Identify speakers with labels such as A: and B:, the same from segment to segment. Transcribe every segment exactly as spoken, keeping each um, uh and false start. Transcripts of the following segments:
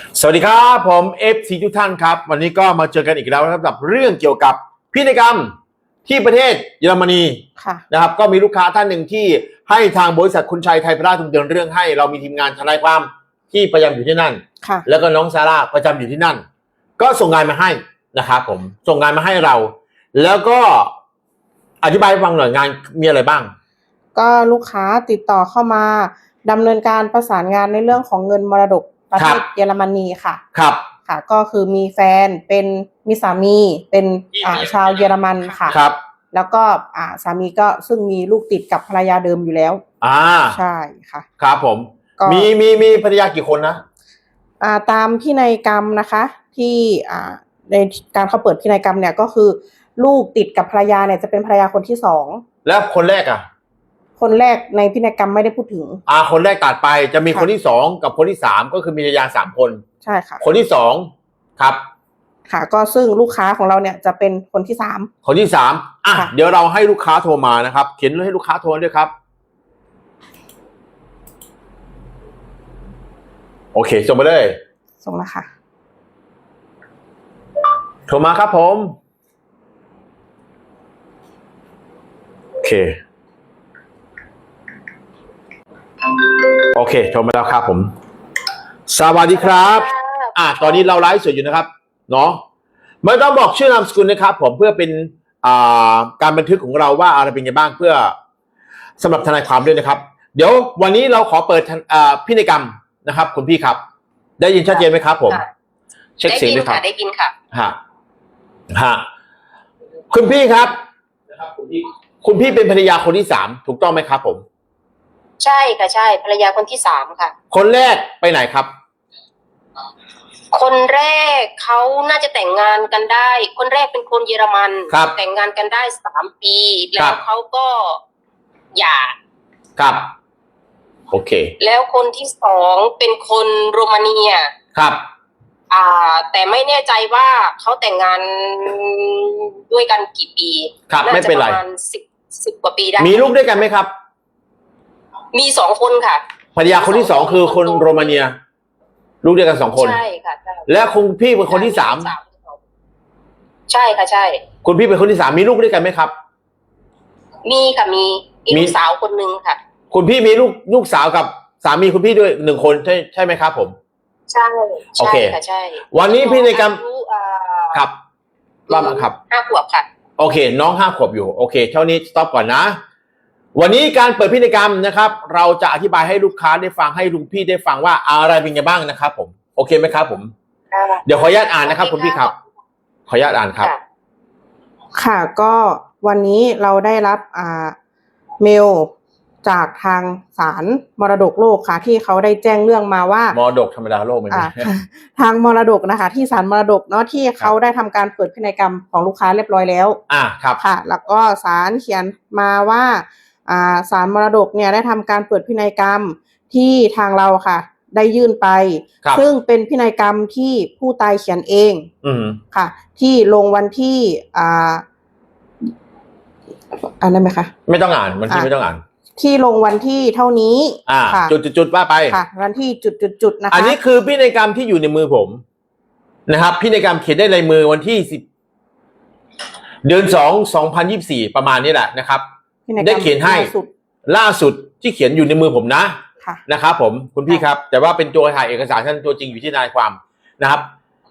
A: สวัสดีครับผม เอฟ ซี ทุกท่านครับวันนี้ก็มาเจอกันอีกแล้วนะครับกับเรื่องเกี่ยวกับพินัยกรรมที่ประเทศเยอรมนีนะครับก็มีลูกค้าท่านหนึ่งที่ให้ทางบริษัทคุณชัยไทยพราชเดินเรื่องให้เรามีทีมงานทนายความที่ประจำอยู่ที่นั่นแล้วก็น้องซาร่าประจำอยู่ที่นั่นก็ส่งงานมาให้นะครับผมส่งงานมาให้เราแล้วก็อธิบายให้ฟังหน่อยงานมีอะไรบ้าง
B: ก็ลูกค้าติดต่อเข้ามาดำเนินการประสานงานในเรื่องของเงินมรดกประเทศเยอรมนีค่ะ
A: ครับ
B: ค่ะก็คือมีแฟนเป็นมีสามีเป็นอ่าชาวเยอรมันค่ะ
A: ครับ
B: แล้วก็อ่าสามีก็ซึ่งมีลูกติดกับภรรยาเดิมอยู่แล้ว
A: อ่า
B: ใช่ค่ะ
A: ครับผมมีมีมีภรรยากี่คนนะ
B: อ่าตามพินัยกรรมนะคะที่อ่าในการเขาเปิดพินัยกรรมเนี่ยก็คือลูกติดกับภรรยาเนี่ยจะเป็นภรรยาคนที่สอง
A: แล้วคนแรกอ่ะ
B: คนแรกในพินัยกรรมไม่ได้พูดถึง
A: อ่าคนแรกตัดไปจะมีคนที่สองกับคนที่สามก็คือมีภรรยาสามคน
B: ใช่ค่ะ
A: คนที่สองครับ
B: ค่ะก็ซึ่งลูกค้าของเราเนี่ยจะเป็นคนที่สาม
A: คนที่สามอ่ะเดี๋ยวเราให้ลูกค้าโทรมานะครับเขียนให้ลูกค้าโทรด้วยครับโอเคส่งไปเลย
B: ส่งแล้วค่ะ
A: โทรมาครับผมโอเคโอเคโทรมาแล้วครับผมสวัสดีครับอ่ะตอนนี้เราไลฟ์สดอยู่นะครับเนาะไม่ต้องบอกชื่อนามสกุลนะครับผมเพื่อเป็นอ่าการบันทึกของเราว่าอะไรเป็นไงบ้างเพื่อสำหรับทนายความด้วยนะครับเดี๋ยววันนี้เราขอเปิดอ่าพินัยกรรมนะครับคุณพี่ครับได้ยินชัดเจนไหมครับผมเช็คเสียงด้วยครับ
C: ได้ยินค่ะ
A: ฮะฮะคุณพี่ครับคุณพี่เป็นภรรยาคนที่สามถูกต้องไหมครับผม
C: ใช่ค่ะใช่ภรรยาคนที่สามค่ะ
A: คนแรกไปไหนครับ
C: คนแรกเขาน่าจะแต่งงานกันได้คนแรกเป็นคนเยอรมันแต่งงานกันได้สามปีแล้วเขาก็หย่า
A: ครับโอเค
C: แล้วคนที่สองเป็นคนโรมาเนีย
A: ครับ
C: อ่าแต่ไม่แน่ใจว่าเขาแต่งงานด้วยกันกี่ปี
A: ครับไม่เป็นไร
C: ประมาณสิบสิบกว่าปีได้
A: มีลูกด้วยกันไหมครับ
C: มีสองคนค่ะ
A: ภรรยาคนที่สองคือคนโรมาเนียลูกด้วยกันสองคน
C: ใช่ค่ะ
A: และคุณพี่เป็นคนที่สาม
C: ใช่ค่ะใช่
A: คุณพี่เป็นคนที่สามมีลูกด้วยกันไหมครับ
C: มีค่ะมีมีลูกสาวคนหนึ่งค่ะ
A: คุณพี่มีลูกลูกสาวกับสามีคุณพี่ด้วยหนึ่งคนใช่ใช่ไหมครับผม
C: ใช่
A: โอเค
C: ค่ะใช่
A: วันนี้พินัยกรรมครับว่ามาครับ
C: ห้าขวบค่ะ
A: โอเคน้องห้าขวบอยู่โอเคเท่านี้สต็อปก่อนนะวันนี้การเปิดพินัยกรรมนะครับเราจะอธิบายให้ลูกค้าได้ฟังให้ลุงพี่ได้ฟังว่าอะไรเป็นไงบ้างนะครับผมโอเคไหมครับผมเดี๋ยวขออนุญาตอ่านนะครับคุณพี่ครับขออนุญาตอ่านครับ
B: ค่ะก็วันนี้เราได้รับอ่าเมลจากทางศาลมรดกโลกค่ะที่เขาได้แจ้งเรื่องมาว่าม
A: รดกธรรมดาโลกไม่ใช่
B: ทางมรดกนะคะที่ศาลมรดกเนาะที่เขาได้ทำการเปิดพินัยกรรมของลูกค้าเรียบร้อยแล้ว
A: อ่าครับ
B: ค่ะแล้วก็ศาลเขียนมาว่าอ่าศาลมรดกเนี่ยได้ทำการเปิดพินัยกรรมที่ทางเราค่ะได้ยื่นไปซึ่งเป็นพินัยกรรมที่ผู้ตายเขียนเอง
A: อืม
B: ค่ะที่ลงวันที่อ่าอ่านได้ไหมคะ
A: ไม่ต้องอ่านวันที่ไม่ต้องอ่าน
B: ที่ลงวันที่เท่านี้
A: อ่าจุดๆๆว่าไป
B: ค่ะวันที่จุดๆๆนะคะ
A: อันนี้คือพินัยกรรมที่อยู่ในมือผมนะครับพินัยกรรมเขียนได้ลายมือวันที่สิบเดือนสองสองพันยี่สิบสี่ประมาณนี้แหละนะครับได้เขียนให้ล่าสุดที่เขียนอยู่ในมือผมนะนะครับผมคุณพี่ครับแต่ว่าเป็นตัวถ่ายเอกสารท่านตัวจริงอยู่ที่นายความนะครับ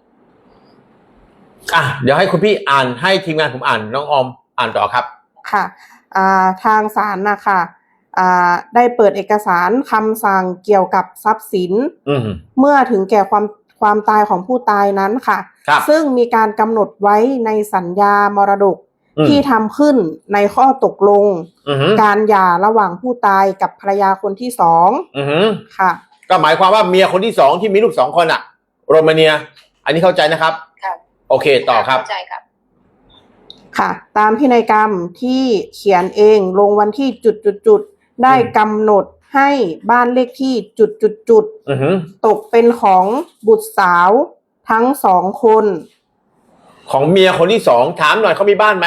A: อ่ะเดี๋ยวให้คุณพี่อ่านให้ทีมงานผมอ่านน้องออมอ่านต่อครับ
B: ค่ะอ่าทางศาลนะคะอ่าได้เปิดเอกสารคำสั่งเกี่ยวกับทรัพย์สินเมื่อถึงแก่ความความตายของผู้ตายนั้นค่ะซึ่งมีการกำหนดไว้ในสัญญามรดกที่ทำขึ้นในข้อตกลงการหย่าระหว่างผู้ตายกับภรรยาคนที่สองค่ะ
A: ก็หมายความว่าเมียคนที่สองที่มีลูกสองคนอะโรมาเนียอันนี้เข้าใจนะครับโอเคต่อครับ
C: เข้าใจครับ
B: ค่ะตามพินัยกรรมที่เขียนเองลงวันที่จุดๆๆได้กำหนดให้บ้านเลขที่จุดๆๆตกเป็นของบุตรสาวทั้งสองคน
A: ของเมียคนที่สองถามหน่อยเขามีบ้านไหม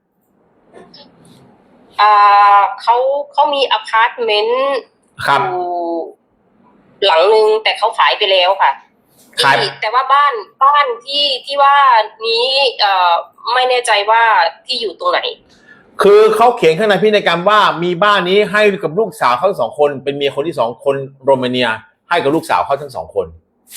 C: อ่าเขาเขามีอพาร์ตเมนต์อยู่หลังนึงแต่เขาขายไปแล้วค่ะที่แต่ว่าบ้านบ้านที่ที่ว่านี้เอ่อไม่แน่ใจว่าที่อยู่ตรงไหน
A: คือเขาเขียนข้างในพินัยกรรมว่ามีบ้านนี้ให้กับลูกสาวเขาทั้งสองคนเป็นเมียคนที่สองคนโรมาเนียให้กับลูกสาวเขาทั้งสองคน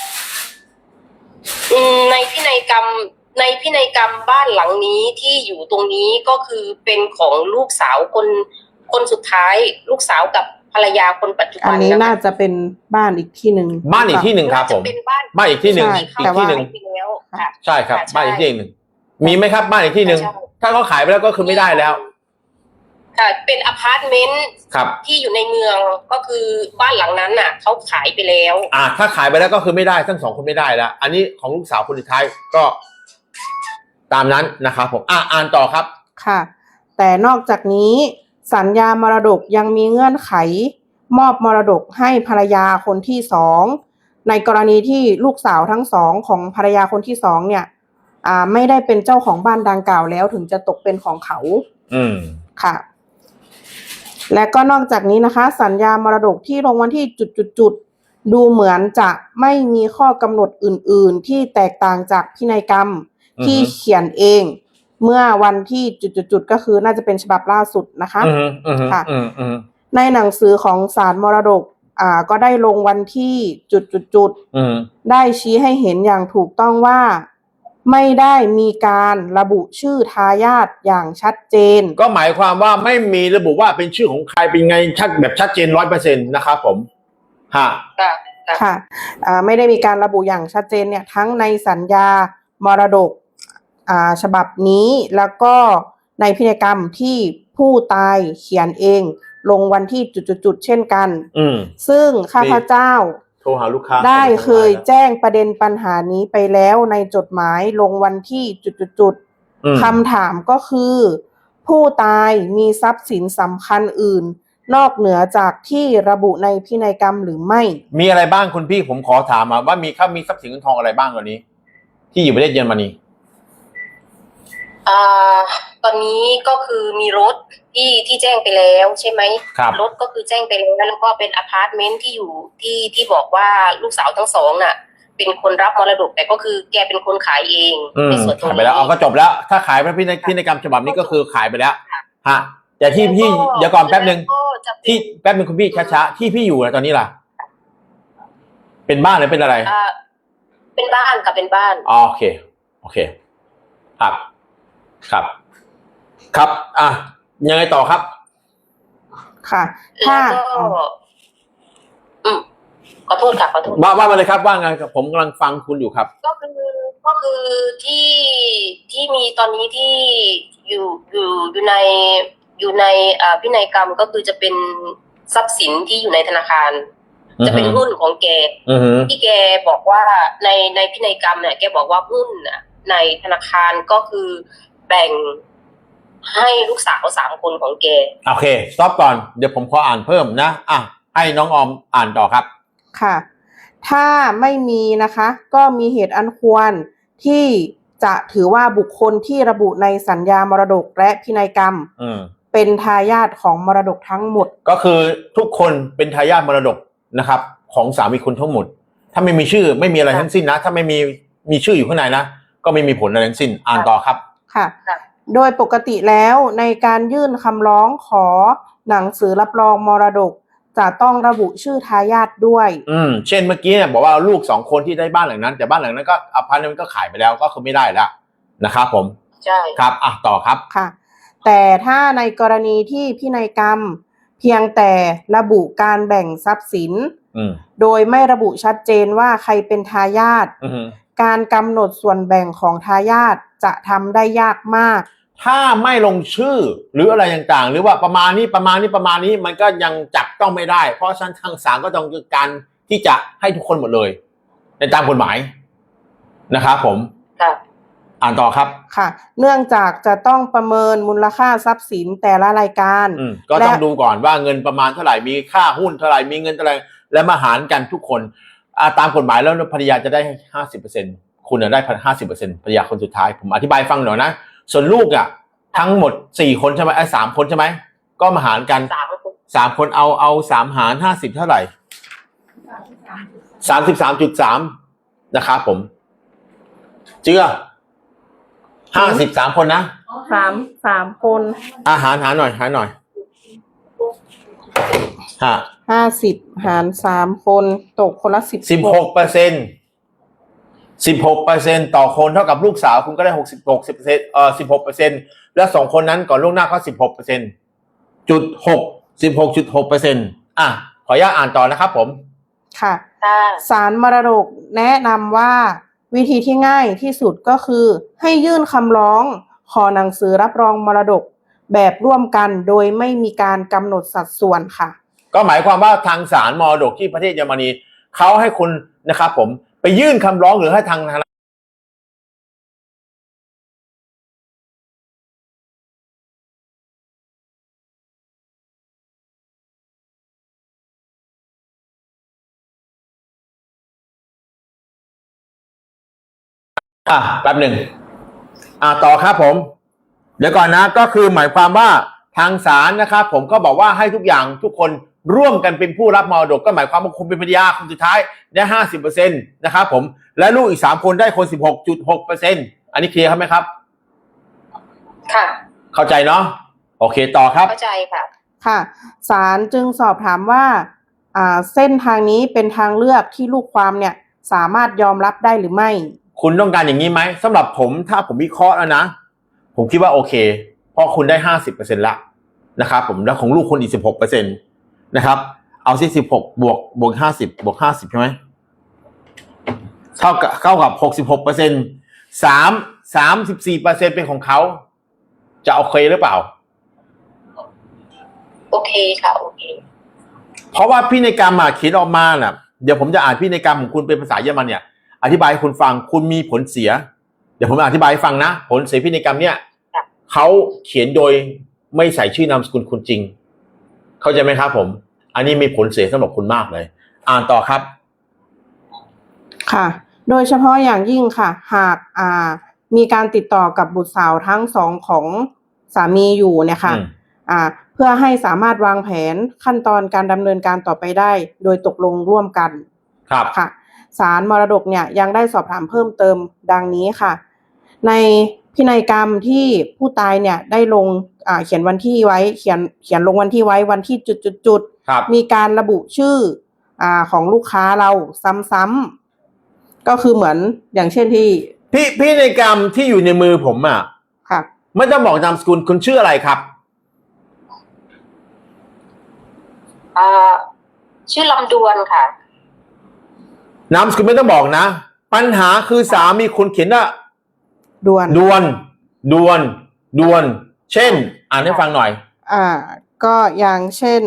C: ในพินัยกรรมในพินัยกรรมบ้านหลังนี้ที่อยู่ตรงนี้ก็คือเป็นของลูกสาวคนคนสุดท้ายลูกสาวกับภรรยาคนปัจจุบัน
B: อันนี้น่าจะเป็นบ้านอีกที่หนึ่ง
A: บ้านอีกที่หนึ่งครับผมบ้านอีกที่หนึ่งอีกที่หนึ่งใช่ครับบ้านอีกที่หนึ่งมีไหมครับบ้านอีกที่หนึ่งถ้าเขาขายไปแล้วก็คือไม่ได้แล้ว
C: ค่ะเป็นอพาร์ตเมนต์ที่อยู่ในเมืองก็คือบ้านหลังนั้นน่ะเขาขายไปแล้ว
A: อ่าถ้าขายไปแล้วก็คือไม่ได้ทั้งสองคนไม่ได้แล้วอันนี้ของลูกสาวคนสุดท้ายก็ตามนั้นนะครับผมอ่าอ่านต่อครับ
B: ค่ะแต่นอกจากนี้สัญญามรดกยังมีเงื่อนไขมอบมรดกให้ภรรยาคนที่สองในกรณีที่ลูกสาวทั้งสองของภรรยาคนที่สองเนี่ยอ่าไม่ได้เป็นเจ้าของบ้านดังกล่าวแล้วถึงจะตกเป็นของเขา
A: อืม
B: ค่ะและก็นอกจากนี้นะคะสัญญามรดกที่ลงวันที่จุดๆๆดูเหมือนจะไม่มีข้อกำหนดอื่นๆที่แตกต่างจากพินัยกรรมที่เขียนเองเมื่อวันที่จุดๆๆก็คือน่าจะเป็นฉบับล่าสุดนะคะค่ะในหนังสือของศาลมรดกอ่าก็ได้ลงวันที่จุดๆๆได้ชี้ให้เห็นอย่างถูกต้องว่าไม่ได้มีการระบุชื่อทายาทอย่างชัดเจน
A: ก็หมายความว่าไม่มีระบุว่าเป็นชื่อของใครเป็นไงชัดแบบชัดเจนร้อยเปอร์เซ็นต์นะครับผมฮะ
B: ค่ะอ่าไม่ได้มีการระบุอย่างชัดเจนเนี่ยทั้งในสัญญามรดกอ่าฉบับนี้แล้วก็ในพินัยกรรมที่ผู้ตายเขียนเองลงวันที่จุดๆๆเช่นกันซึ่งข้าพเจ้า
A: โทรหาลูกค้า
B: ได้เคยแจ้งประเด็นปัญหานี้ไปแล้วในจดหมายลงวันที่จุดๆคำถามก็คือผู้ตายมีทรัพย์สินสำคัญอื่นนอกเหนือจากที่ระบุในพินัยกรรมหรือไม่
A: มีอะไรบ้างคุณพี่ผมขอถามมาว่ามีครับมีทรัพย์สินเงินทองอะไรบ้างตอนนี้ที่อยู่ประเทศเยอรมนี
C: อ่าตอนนี้ก็คือมีรถที่ที่แจ้งไปแล้วใช่ไหม
A: ครับ
C: รถก็คือแจ้งไปแล้วแล้วก็เป็นอพาร์ตเมนต์ที่อยู่ที่ที่บอกว่าลูกสาวทั้งสองน่ะเป็นคนรับมรดกแต่ก็คือแกเป็นคนขายเอง
A: ในส่วนตรงนี้ขายไปแล้วเอาก็จบแล้วถ้าขายไปพินัยพินัยกรรมฉบับนี้ก็คือขายไปแล้วฮะแต่ที่พี่เดี๋ยวก่อนแป๊บนึงที่แป๊บนึงคุณพี่ช้าๆที่พี่อยู่ตอนนี้ล่ะเป็นบ้านหรือเป็นอะไร
C: อ่าเป็นบ้านกับเป็นบ้าน
A: โอเคโอเคครับครับครับอ่ะยังไงต่อครับ
B: ค่ะถ้า
C: อืมขอโทษค่ะขอโทษ
A: ว่าว่ามาเลยครับว่าไงครับผมกำลังฟังคุณอยู่ครับ
C: ก็คือก็คือที่ที่มีตอนนี้ที่อยู่อยู่อยู่ในอยู่ในอ่าพินัยกรรมก็คือจะเป็นทรัพย์สินที่อยู่ในธนาคารจะเป็นหุ้นของแกที่แกบอกว่าในในพินัยกรรมเนี่ยแกบอกว่าหุ้นน่ะในธนาคารก็คือแบ่งให้ลูกสาวสามคนของแก
A: โอเคสต็อปก่อนเดี๋ยวผมขออ่านเพิ่มนะอ่ะให้น้องออมอ่านต่อครับ
B: ค่ะถ้าไม่มีนะคะก็มีเหตุอันควรที่จะถือว่าบุคคลที่ระบุในสัญญามรดกและพินัยกรรมเป็นทายาทของมรดกทั้งหมด
A: ก็คือทุกคนเป็นทายาทมรดกนะครับของสามีคุณทั้งหมดถ้าไม่มีชื่อไม่มีอะไรทั้งสิ้นนะถ้าไม่มีมีชื่ออยู่ข้างในนะก็ไม่มีผลอะไรทั้งสิ้นอ่านต่อครับ
B: ค่ะโดยปกติแล้วในการยื่นคำร้องขอหนังสือรับรองมรดกจะต้องระบุชื่อทายาทด้วย
A: อืมเช่นเมื่อกี้เนี่ยบอกว่าลูกสองคนที่ได้บ้านหลังนั้นแต่บ้านหลังนั้นก็อพาร์ตเมนต์ก็ขายไปแล้วก็คือไม่ได้แล้วนะครับผม
C: ใช่
A: ครับอ่ะต่อครับ
B: ค่ะแต่ถ้าในกรณีที่พินัยกรรมเพียงแต่ระบุการแบ่งทรัพย์สินโดยไม่ระบุชัดเจนว่าใครเป็นทายาทการกำหนดส่วนแบ่งของทายาทจะทำได้ยากมาก
A: ถ้าไม่ลงชื่อหรืออะไรต่างๆหรือว่าประมาณนี้ประมาณนี้ประมาณนี้มันก็ยังจับต้องไม่ได้เพราะฉะนั้นทางศาลก็ต้องการที่จะให้ทุกคนหมดเลยในตามกฎหมายนะครับผม
C: ค่ะ
A: อ่านต่อครับ
B: ค่ะเนื่องจากจะต้องประเมินมูลค่าทรัพย์สินแต่ละรายการ
A: ก็ต้องดูก่อนว่าเงินประมาณเท่าไหร่มีค่าหุ้นเท่าไหร่มีเงินเท่าไหร่และมาหารกันทุกคนตามกฎหมายแล้วภรรยาจะได้ห้าสิบเปอร์เซ็นต์คุณได้ห้าสิบเปอร์เซ็นต์ภรรยาคนสุดท้ายผมอธิบายฟังหน่อยนะส่วนลูกอ่ะทั้งหมดสี่คนใช่ไหมไอ้สามคนใช่ไหมก็มาหารกันสามคนเอาเอาสามหารห้าสิบเท่าไหร่สามสิบสามจุดสามนะครับผมเจือห้าสิบสามคนนะ
B: สามสามคน
A: อาหารหาหน่อยหาหน่อยห้า
B: ห้าสิบหารสามคนตกคนละสิบ
A: สิบหกเปอร์เซ็นต์สิบหกเปอร์เซ็นต์ต่อคนเท่ากับลูกสาวคุณก็ได้หกสิบหกสิบเปอร์เซ็นต์เอ่อสิบหกเปอร์เซ็นต์แล้วสองคนนั้นก่อนล่วงหน้าเขาสิบหกเปอร์เซ็นต์จุดหกสิบหกจุดหกเปอร์เซ็นต์อ่ะขออนุญาตอ่านต่อนะครับผม
B: ค่ะศาลมรดกแนะนำว่าวิธีที่ง่ายที่สุดก็คือให้ยื่นคำร้องขอหนังสือรับรองมรดกแบบร่วมกันโดยไม่มีการกำหนดสัดส่วนค่ะ
A: ก็หมายความว่าทางศาลมรดกที่ประเทศเยอรมนีเขาให้คุณนะครับผมไปยื่นคำร้องหรือให้ทางอ่ะแป๊บหนึ่งอ่าต่อครับผมเดี๋ยวก่อนนะก็คือหมายความว่าทางศาลนะครับผมก็บอกว่าให้ทุกอย่างทุกคนร่วมกันเป็นผู้รับมรดกก็หมายความว่าคุณเป็นภรรยาคนสุดท้ายได้ห้าสิบเปอร์เซ็นต์นะครับผมและลูกอีกสามคนได้คนสิบหกจุดหกเปอร์เซ็นต์อันนี้เคลียร์ครับไหมครับ
C: ค่ะ
A: เข้าใจเนาะโอเคต่อครับ
C: เข้าใจค่ะ
B: ค่ะศาลจึงสอบถามว่าอ่าเส้นทางนี้เป็นทางเลือกที่ลูกความเนี่ยสามารถยอมรับได้หรือไม่
A: คุณต้องการอย่างนี้ไหมสำหรับผมถ้าผมวิเคราะห์แล้วนะผมคิดว่าโอเคเพราะคุณได้ห้าสิบเปอร์เซ็นต์ละนะครับผมแล้วของลูกคุณอีกสิบหกเปอร์เซ็นต์นะครับเอาสิสิบหกบวกบวกห้าสิบบวกห้าสิบใช่ไหมเท่ากับเท่ากับหกสิบหกเปอร์เซ็นต์สามสามสิบสี่เปอร์เซ็นต์เป็นของเขาจะโอเคหรือเปล่า
C: โอเคค่ะโอเค
A: เพราะว่าพินัยกรรมอ่ะเขียนออกมาน่ะเดี๋ยวผมจะอ่านพินัยกรรมของคุณเป็นภาษาเยอรมันเนี่ยอธิบายให้คุณฟังคุณมีผลเสียเดี๋ยวผมอธิบายให้ฟังนะผลเสียพินัยกรรมเนี่ยเขาเขียนโดยไม่ใส่ชื่อนามสกุลคุณจริงเข้าใจไหมครับผมอันนี้มีผลเสียสำหรับคุณมากเลยอ่านต่อครับ
B: ค่ะโดยเฉพาะอย่างยิ่งค่ะหากอ่ามีการติดต่อกับบุตรสาวทั้งสองของสามีอยู่เนี่ยค่ะอ่าเพื่อให้สามารถวางแผนขั้นตอนการดำเนินการต่อไปได้โดยตกลงร่วมกัน
A: ครับ
B: ค่ะศาลมรดกเนี่ยยังได้สอบถามเพิ่มเติมดังนี้ค่ะในพินัยกรรมที่ผู้ตายเนี่ยได้ลงอ่าเขียนวันที่ไว้เขียนเขียนลงวันที่ไว้วันที่จุดๆมีการระบุชื่ออ่าของลูกค้าเราซ้ำๆก็คือเหมือนอย่างเช่นที่
A: พี่พินัยกรรมที่อยู่ในมือผมอ่ะ
B: ค่ะ
A: ไม่ต้องบอกนามสกุลคุณชื่ออะไรครับ
C: อ่าชื่อลำดวนค่ะ
A: นามสกุลไม่ต้องบอกนะปัญหาคือสามีคุณเขียนว่า
B: ดวน
A: ดวนดวนดวนเช่นอ่านให้ฟังหน่อย
B: อ่าก็อย่างเช่น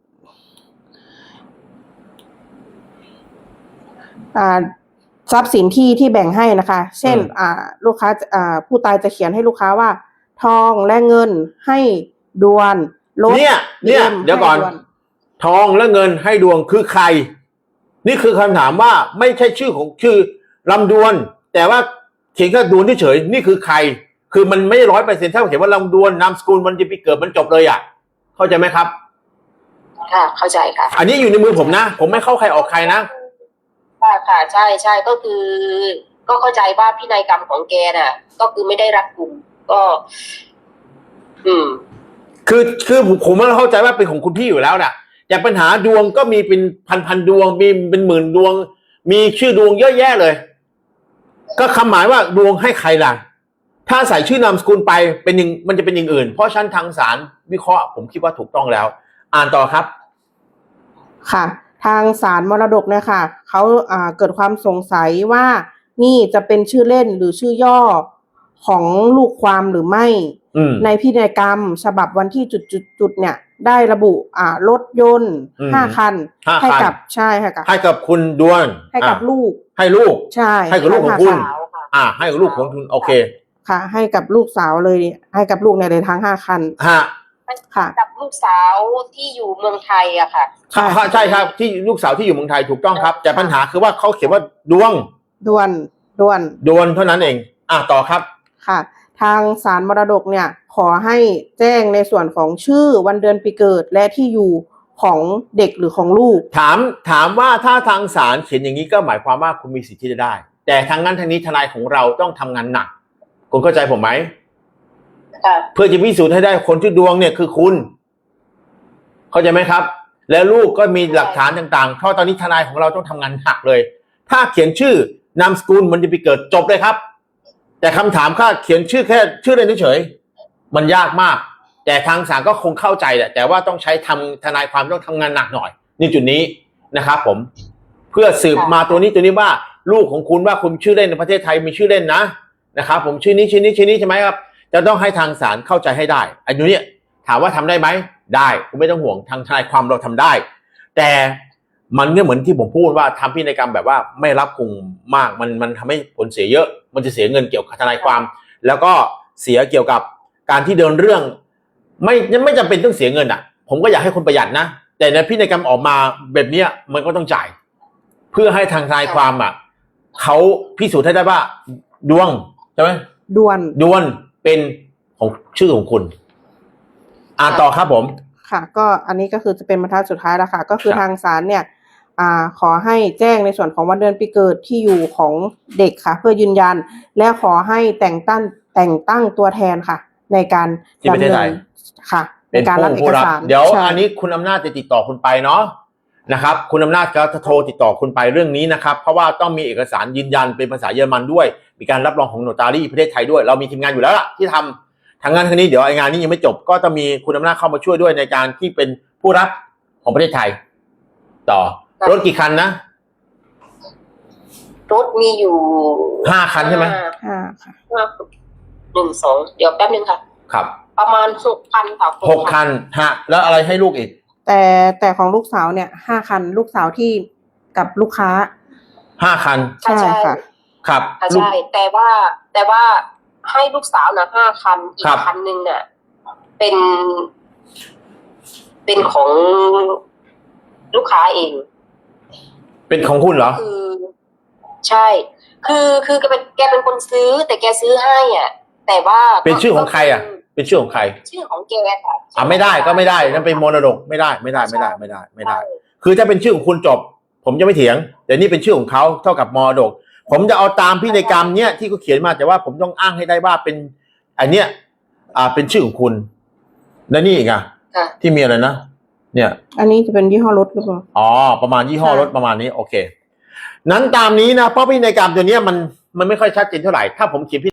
B: อ่าทรัพย์สินที่ที่แบ่งให้นะคะเช่นอ่าลูกค้าอ่าผู้ตายจะเขียนให้ลูกค้าว่าทองและเงินให้ดวนรถ
A: เนี่ยเนี่ยเดี๋ยวก่อนทองและเงินให้ดวงคือใครนี่คือคำถามว่าไม่ใช่ชื่อของชื่อลำดวนแต่ว่าเขียนแค่ดวนเฉยนี่คือใครคือมันไม่ร้อยเปอร์เซ็นต์ถ้าเขียนว่าลำดวนนามสกุลมันจะไปเกิดมันจบเลยอ่ะเข้าใจไหมครับ
C: ค่ะเข้าใจค่ะ
A: อันนี้อยู่ในมือผมนะผมไม่เข้าใครออกใครนะ
C: ค่ะค่ะใช่ใช่ก็คือก็เข้าใจว่าพินัยกรรมของแกน่ะก็คือไม่ได้รัดกุมก็อืม
A: คือคือผมไม่เข้าใจว่าเป็นของคุณพี่อยู่แล้วน่ะแต่ปัญหาดวงก็มีเป็นพันพันดวงมีเป็นหมื่นดวงมีชื่อดวงเยอะแยะเลยก็คำหมายว่าดวงให้ใครล่ะถ้าใส่ชื่อนามสกุลไปเป็นอย่างมันจะเป็นอย่างอื่นเพราะชั้นทางศาลวิเคราะห์ผมคิดว่าถูกต้องแล้วอ่านต่อครับ
B: ค่ะทางศาลมรดกเนี่ยค่ะเขาอ่าเกิดความสงสัยว่านี่จะเป็นชื่อเล่นหรือชื่อย่อของลูกความหรือไม่ในพินัยกรรมฉบับวันที่จุดๆๆเนี่ยได้ระบุอ่ารถยนต์ห้าคันให้กับใช่ค่ะ
A: ให้กับคุณดวง
B: ให้กับลูก
A: ให้ลูก
B: ใช่
A: ให้กับลูกของคุณอ่าให้กับลูกของคุณโอเค
B: ค่ะให้กับลูกสาวเลยให้กับลูกในเลยทั้งห้าคัน
A: ฮะ
C: ค่ะกับลูกสาวที่อยู่เมืองไทยอะค่ะ
A: ใช่ใช่ครับที่ลูกสาวที่อยู่เมืองไทยถูกต้องครับแต่ปัญหาคือว่าเขาเขียนว่าดวง
B: ดวนดวน
A: ดวนเท่านั้นเองอ่ะต่อครับ
B: ค่ะทางศาลมรดกเนี่ยขอให้แจ้งในส่วนของชื่อวันเดือนปีเกิดและที่อยู่ของเด็กหรือของลูก
A: ถามถามว่าถ้าทางศาลเขียนอย่างนี้ก็หมายความว่าคุณมีสิทธิ์ที่จะได้แต่ทางนั้นทางนี้ทนายของเราต้องทำงานหนักคุณเข้าใจผมไหม
C: ค่ะ
A: เพื่อจะพิสูจน์ให้ได้คนที่ดวงเนี่ยคือคุณเข้าใจไหมครับแล้วลูกก็มีหลักฐานต่างๆเพราะตอนนี้ทนายของเราต้องทำงานหนักเลยถ้าเขียนชื่อนามสกุลมันจะไปเกิดจบเลยครับแต่คำถามค่าเขียนชื่อแค่ชื่อเล่นเฉยๆมันยากมากแต่ทางศาลก็คงเข้าใจแหละแต่ว่าต้องใช้ทำทนายความต้องทำงานหนักหน่อยนี่จุดนี้นะครับผมเพื่อสืบมาตัวนี้ตัวนี้ว่าลูกของคุณว่าคุณชื่อเล่นในประเทศไทยมีชื่อเล่นนะนะครับผมชื่อนี้ชื่อนี้ชื่อนี้ใช่ไหมครับจะต้องให้ทางศาลเข้าใจให้ได้อันนี้ถามว่าทำได้ไหมได้คุณไม่ต้องห่วงทางทนายความเราทำได้แต่มันก็เหมือนที่ผมพูดว่าทำพินัยกรรมแบบว่าไม่รับคุมมากมันมันทำให้ผลเสียเยอะมันจะเสียเงินเกี่ยวกับทนายความแล้วก็เสียเกี่ยวกับการที่เดินเรื่องไม่ไม่จำเป็นต้องเสียเงินอ่ะผมก็อยากให้คนประหยัดนะแต่ในพินัยกรรมออกมาแบบนี้มันก็ต้องจ่ายเพื่อให้ทางทนายความอ่ะเขาพิสูจน์ให้ได้ว่าดวงใช่ไหม
B: ดวน
A: ดวนเป็นของชื่อของคุณอ่านต่อครับผม
B: ค่ะก็อันนี้ก็คือจะเป็นบรรทัดสุดท้ายแล้วค่ะก็คือทางศาลเนี่ยอ่าขอให้แจ้งในส่วนของวันเดือนปีเกิดที่อยู่ของเด็กค่ะเพื่อยืนยันและขอให้แต่งตั้งแต่งตั้งตัวแทนค่ะในการ
A: ดำเนิน
B: ค่ะในการรับเอกสาร
A: เดี๋ยวอันนี้คุณอำนาจจะติดต่อคุณไปเนาะนะครับคุณอำนาจก็จะโทรติดต่อคุณไปเรื่องนี้นะครับเพราะว่าต้องมีเอกสารยืนยันเป็นภาษาเยอรมันด้วยมีการรับรองของโนตารีประเทศไทยด้วยเรามีทีมงานอยู่แล้วล่ะที่ทำทางงานทางนี้เดี๋ยวไอ้งานนี้ยังไม่จบก็จะมีคุณอำนาจเข้ามาช่วยด้วยในการที่เป็นผู้รับของประเทศไทยต่อรถกี่คันนะ
C: รถมีอยู่
A: ห้าคันใช่ไหม
B: ห้าค่ะ
C: ห้าหนึ่งสองเดี๋ยวแป๊บนึงค่ะ
A: ครับ
C: ประมาณหกคันค่ะ
A: หกคันฮะแล้วอะไรให้ลูกอีก
B: แต่แต่ของลูกสาวเนี่ยห้าคันลูกสาวที่กับลูกค้า
A: ห้าคัน
B: ใช่ค่ะ
A: ครับ
C: ใช่แต่ว่าแต่ว่าให้ลูกสาวนะห้าคันอีกคันหนึ่งเนี่ยเป็น เป็นของลูกค้าเอง
A: เป็นของคุณเหรอ
C: คือใช่คือคือแกเป็นแกเป็นคนซื้อแต่แกซื้อให้อ่ะแต่ว่า
A: เป็นชื่อของใครอ่ะเป็นชื่อของใคร
C: ชื่อของแกค่ะ
A: อ่ะไม่ได้ก็ไม่ได้นั่นเป็นมรดกไม่ได้ไม่ได้ไม่ได้ไม่ได้ไม่ได้คือถ้าเป็นชื่อของคุณจบผมจะไม่เถียงแต่นี่เป็นชื่อของเขาเท่ากับมรดกผมจะเอาตามพินัยกรรมเนี้ยที่เขาเขียนมาแต่ว่าผมต้องอ้างให้ได้ว่าเป็นอันเนี้ยอ่าเป็นชื่อของคุณและนี่อีกอ่ะที่มีอะไรนะเนี่ย
B: อันนี้จะเป็นยี่ห้อรถหรือเปล่า
A: อ๋อประมาณยี่ห้อรถประมาณนี้โอเคนั้นตามนี้นะเพราะพินัยกรรมตัวเนี้ยมันมันไม่ค่อยชัดเจนเท่าไหร่ถ้าผมเขียน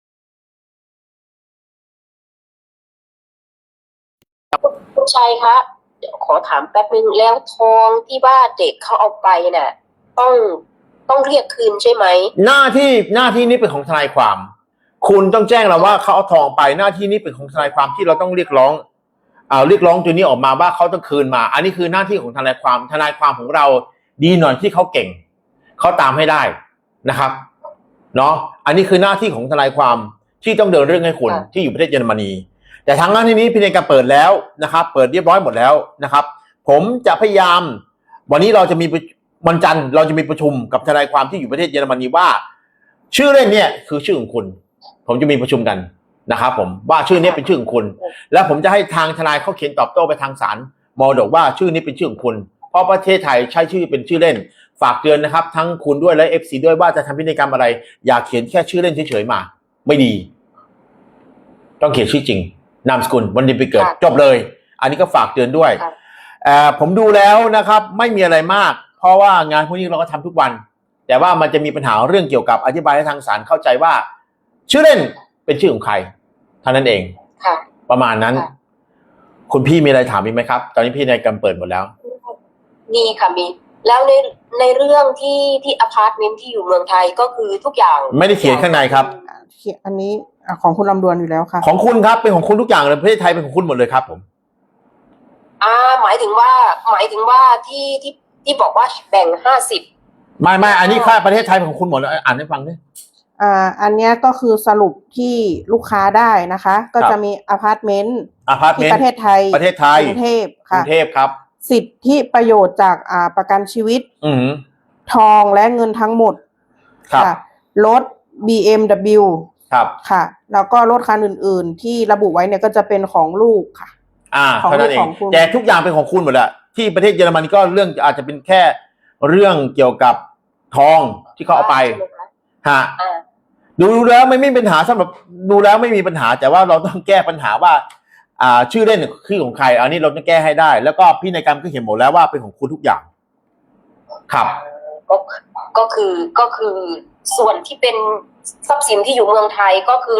C: คุณชัยคะเดี๋ยวขอถามแป๊บนึงแล้วทองที่ว่าเด็กเขาเอาไปเนี่ยต้องต้องเรียกคืนใช่ไหม
A: หน้าที่หน้าที่นี้เป็นของทนายความคุณต้องแจ้งเราว่าเขาเอาทองไปหน้าที่นี้เป็นของทนายความที่เราต้องเรียกร้องอ่าเรียกร้องตัวนี้ออกมาว่าเขาต้องคืนมาอันนี้คือหน้าที่ของทนายความทนายความของเราดีหน่อยที่เขาเก่งเขาตามให้ได้นะครับเนาะอันนี้คือหน้าที่ของทนายความที่ต้องเดินเรื่องให้คุณที่อยู่ประเทศเยอรมนีแต่ทางหน้าที่นี้พินัยกรรมเปิดแล้วนะครับเปิดเรียบร้อยหมดแล้วนะครับผมจะพยายามวันนี้เราจะมีวันจันทร์เราจะมีประชุมกับทนายความที่อยู่ประเทศเยอรมนีว่าชื่อเล่นเนี่ยคือชื่อของคุณผมจะมีประชุมกันนะครับผมว่าชื่อนี้เป็นชื่อของคุณแล้วผมจะให้ทางทนายเขาเขียนตอบโต้ไปทางศาลมรดกว่าชื่อนี้เป็นชื่อของคุณเพราะประเทศไทยใช้ชื่อเป็นชื่อเล่นฝากเตือนนะครับทั้งคุณด้วยและ เอฟ ซี ด้วยว่าจะทำพินัยกรรมอะไรอย่าเขียนแค่ชื่อเล่นเฉยๆมาไม่ดีต้องเขียนชื่อจริงนามสกุลวันเดือนปีเกิดจบเลยอันนี้ก็ฝากเตือนด้วยผมดูแล้วนะครับไม่มีอะไรมากเพราะว่างานพวกนี้เราก็ทำทุกวันแต่ว่ามันจะมีปัญหาเรื่องเกี่ยวกับอธิบายให้ทางศาลเข้าใจว่าชื่อเล่นเป็นชื่อของใครเท่านั้นเองประมาณนั้นคุณพี่มีอะไรถามอีกไหมครับตอนนี้พี่ในกรรมเปิดหมดแล้ว
C: มีค่ะมีแล้วในในเรื่องที่ที่อพาร์ตเมนต์ที่อยู่เมืองไทยก็คือทุกอย่าง
A: ไม่ได้เขียนข้างในครับ
B: อันนี้ของคุณลำดวนอยู่แล้วค่ะ
A: ของคุณครับเป็นของคุณทุกอย่างเลยประเทศไทยเป็นของคุณหมดเลยครับผม
C: อ่าหมายถึงว่าหมายถึงว่าที่ที่ที่บอกว่าแบ่งห้าสิบ
A: ไม่ไม่อันนี้ค่าประเทศไทยเป็นของคุณหมดเลยอ่านให้ฟังดิ
B: อ่าอันนี้ก็คือสรุปที่ลูกค้าได้นะคะก็จะมีอพาร์ตเมนต์ที่ประเทศไทย
A: ประเทศไทย
B: กรุงเทพค่ะ
A: กรุงเทพครับ
B: สิทธิประโยชน์จากอ่าประกันชีวิต
A: อือ
B: ทองและเงินทั้งหมด
A: ค่ะ
B: รถ บี เอ็ม ดับเบิลยู
A: ครับ
B: ค่ะแล้วก็รถคันอื่นๆที่ระบุไว้เนี่ยก็จะเป็นของลูกค่ะ
A: อ่าของลูกของคุณแต่ทุกอย่างเป็นของคุณหมดแหละที่ประเทศเยอรมันก็เรื่องอาจจะเป็นแค่เรื่องเกี่ยวกับทองที่เขาเอาไปฮะ
C: อ่า
A: ดูแล้วไม่มีปัญหาสำหรับดูแล้วไม่มีปัญหาแต่ว่าเราต้องแก้ปัญหาว่าอ่าชื่อเล่นคือของใครอันนี้เราต้องแก้ให้ได้แล้วก็พินัยกรรมก็เขียนหมดแล้วว่าเป็นของคุณทุกอย่างครับ
C: ก็ก็คือก็คือส่วนที่เป็นทรัพย์สินที่อยู่เมืองไทยก็คือ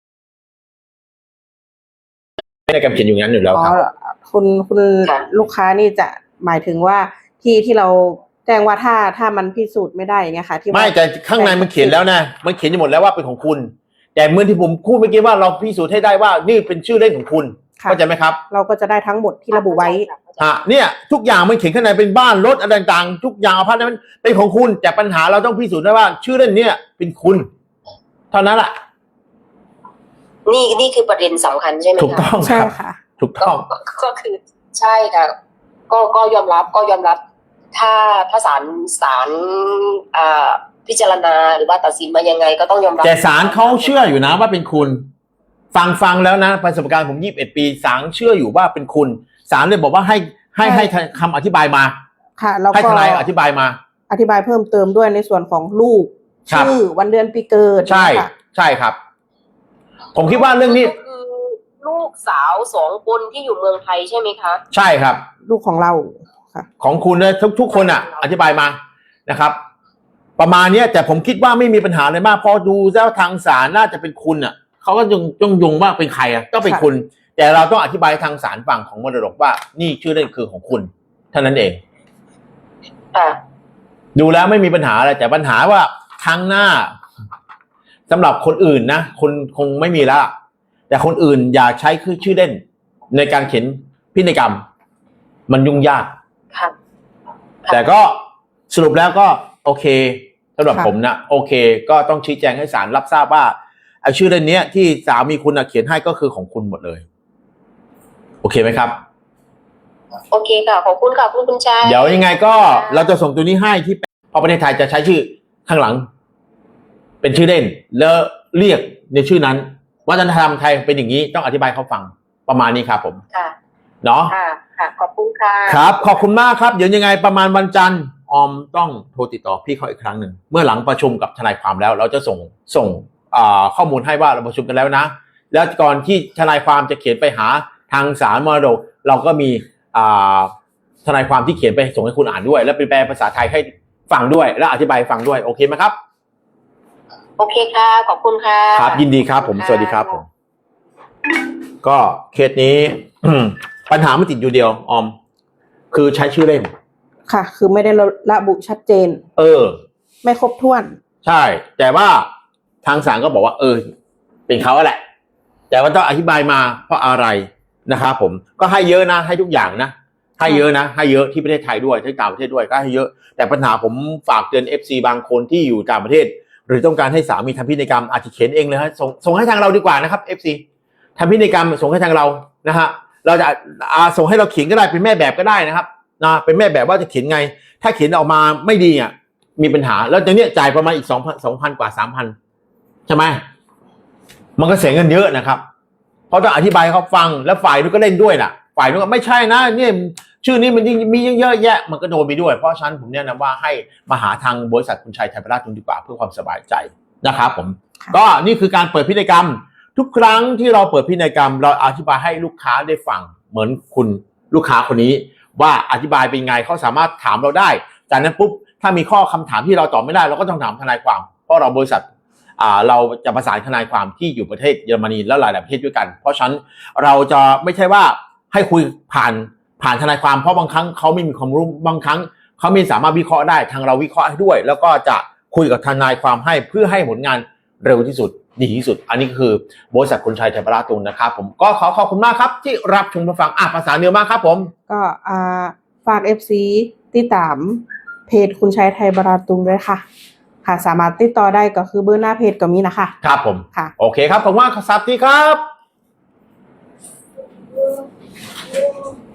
A: พินัยกรรมเขียนอยู่งั้นอยู่แล้วครับ
B: คุณคุณลูกค้านี่จะหมายถึงว่าที่ที่เราแจ้งว่าถ้าถ้ามันพิสูจน์ไม่ได้อย่างเงี้ยค่ะที่
A: ไม่แต่ข้างในมันเขียนแล้วนะมันเขียนอยู่หมดแล้วว่าเป็นของคุณแต่เมื่อที่ผมพูดเมื่อกี้ว่าเราพิสูจน์ให้ได้ว่านี่เป็นชื่อเล่นของคุณเข้าใจไหมครับ
B: เราก็จะได้ทั้งหมดที่ระบุไว้
A: อ่ะเนี่ยทุกอย่างมันเขียนข้างในเป็นบ้านรถอะไรต่างๆทุกอย่างอพาร์ตเมนต์เป็นของคุณแต่ปัญหาเราต้องพิสูจน์ได้ว่าชื่อเล่นเนี่ยเป็นคุณเท่านั้นแหละ
C: นี่นี่คือประเด็นสำคัญใช่ไหมคะ
A: ถูกต้อง
B: ใช่ค่ะ
A: ถูกต้อง
C: ก็คือใช่ค่ะก็ก็ยอมรับก็ยอมรับถ้าถ้าศาลศาลอ่าพิจารณาหรือว่าตัดสินมายังไงก็ต้องยอมรับ
A: แต่ศาลเขาเชื่ออยู่นะว่าเป็นคุณฟังฟังแล้วนะประสบการณ์ผมยี่สิบเอ็ดปีศาลเชื่ออยู่ว่าเป็นคุณศาลเลยบอกว่าให้ให้ให้คำอธิบายมา
B: ค่ะแล้วก็
A: ให้ทนายอธิบายมา
B: อธิบายเพิ่มเติมด้วยในส่วนของลูกชื่อวันเดือนปีเกิด
A: ใช่ใช่ครับผมคิดว่าเรื่องนี้
C: คือลูกสาวสองคนที่อยู่เมืองไทยใช่ไหมคะ
A: ใช่ครับ
B: ลูกของเราค่ะ
A: ของคุณเนี่ยทุกทุกคนอ่ะอธิบายมานะครับประมาณนี้แต่ผมคิดว่าไม่มีปัญหาเลยมากพอดูแล้วทางศาลน่าจะเป็นคุณอ่ะเขาก็ยังต้องยงว่าเป็นใครอ่ะก็เป็นคุณแต่เราต้องอธิบายทางศาลฝั่งของมรดกว่านี่ชื่อเล่นคือของคุณเท่านั้นเอง
C: อ่า
A: ดูแล้วไม่มีปัญหาอะไรแต่ปัญหาว่าครั้งหน้าสำหรับคนอื่นนะคนคงไม่มีแล้วแต่คนอื่นอย่าใช้คือชื่อเล่นในการเขียนพินัยกรรมมันยุ่งยาก
C: ครับ
A: แต่ก็สรุปแล้วก็โอเคสำหรับผมนะโอเคก็ต้องชี้แจงให้ศาลรับทราบว่าไอ้ชื่อเล่นนี้ที่สามีคุณเขียนให้ก็คือของคุณหมดเลยโอเคไหมครับ
C: โอเคค่ะขอบคุณค่ะคุณคุณชาย
A: เดี๋ยวยังไงก็เราจะส่งตัวนี้ให้ที่พอประเทศไทยจะใช้ชื่อข้างหลังเป็นชื่อเล่นแล้วเรียกในชื่อนั้นวัฒนธรรมไทยเป็นอย่างนี้ต้องอธิบายเขาฟังประมาณนี้ครับผม
C: ค่ะ
A: เนาะ
C: ค่ะค่ะขอบคุณค่ะ
A: ครับขอบคุณมากครับเดี๋ยวยังไงประมาณวันจันทร์ออมต้องโทรติดต่อพี่เขาอีกครั้งหนึ่งเมื่อหลังประชุมกับทนายความแล้วเราจะส่งส่งข้อมูลให้ว่าเราประชุมกันแล้วนะแล้วก่อนที่ทนายความจะเขียนไปหาทางศาลมรดกเราก็มีทนายความที่เขียนไปส่งให้คุณอ่านด้วยแล้วแปลภาษาไทยให้ฟังด้วยและอธิบายฟังด้วยโอเคไหมครับ
C: โอเคค่ะขอบคุณค่ะ
A: ครับยินดีครับผมสวัสดีครับผมก็เคสนี้ปัญหาไม่ติดอยู่เดียวออมคือใช้ชื่อเล่น
B: ค่ะคือไม่ได้ระบุชัดเจน
A: เออ
B: ไม่ครบถ้วน
A: ใช่แต่ว่าทางศาลก็บอกว่าเออเป็นเขาแหละแต่ว่าต้องอธิบายมาเพราะอะไรนะครับผมก็ให้เยอะนะให้ทุกอย่างนะให้เยอะนะให้เยอะที่ประเทศไทยด้วยที่ต่างประเทศด้วยก็ให้เยอะแต่ปัญหาผมฝากเตือน เอฟ ซี บางคนที่อยู่ต่างประเทศหรือต้องการให้สามีทำพินัยกรรมอาจจะเขียนเองเลยฮะส่งส่งให้ทางเราดีกว่านะครับ เอฟ ซี ทำพินัยกรรมส่งให้ทางเรานะฮะเราจะอาส่งให้เราเขียนก็ได้เป็นแม่แบบก็ได้นะครับนะเป็นแม่แบบว่าจะเขียนไงถ้าเขียนออกมาไม่ดีอ่ะมีปัญหาแล้วตรงนี้จ่ายประมาณอีกสองพันสองพันกว่าสามพันใช่ไหมมันก็เสียเงินเยอะนะครับเพราะต้องอธิบายเขาฟังแล้วฝ่ายนู้นก็เล่นด้วยน่ะฝ่ายนู้นก็ไม่ใช่นะเนี่ยชื่อนี้มันมีเยอะแยะมันก็โดนไปด้วยเพราะฉะนั้นผมแนะนำว่าให้มาหาทางบริษัทคุณชัยไทยประราชดีกว่าเพื่อความสบายใจนะครับผมก็นี่คือการเปิดพินัยกรรมทุกครั้งที่เราเปิดพินัยกรรมเราอธิบายให้ลูกค้าได้ฟังเหมือนคุณลูกค้าคนนี้ว่าอธิบายเป็นไงเขาสามารถถามเราได้จากนั้นปุ๊บถ้ามีข้อคำถามที่เราตอบไม่ได้เราก็ต้องถามทนายความเพราะเราบริษัทอ่าเราจะประสานทนายความที่อยู่ประเทศเยอรมนีและหลายๆประเทศด้วยกันเพราะฉะนั้นเราจะไม่ใช่ว่าให้คุยผ่านผ่านทนายความเพราะบางครั้งเขาไม่มีความรู้บางครั้งเขาไม่สามารถวิเคราะห์ได้ทางเราวิเคราะห์ให้ด้วยแล้วก็จะคุยกับทนายความให้เพื่อให้ผลงานเร็วที่สุดดีที่สุดอันนี้คือ บริษัทคุณชัยไทยประราชนะครับผมก็ขอขอบคุณมากครับที่รับชมรับฟังอ่ะภาษาเหนือมากครับผม
B: ก็อ่าฝาก เอฟ ซี ติดตามเพจคุณชัยไทยประราชด้วยค่ะค่ะสามารถติดต่อได้ก็คือเบอร์หน้าเพจก็มีนะคะ
A: ครับผม
B: ค่ะ
A: โอเคครับขอบคุณมากครับสวัสดีครับ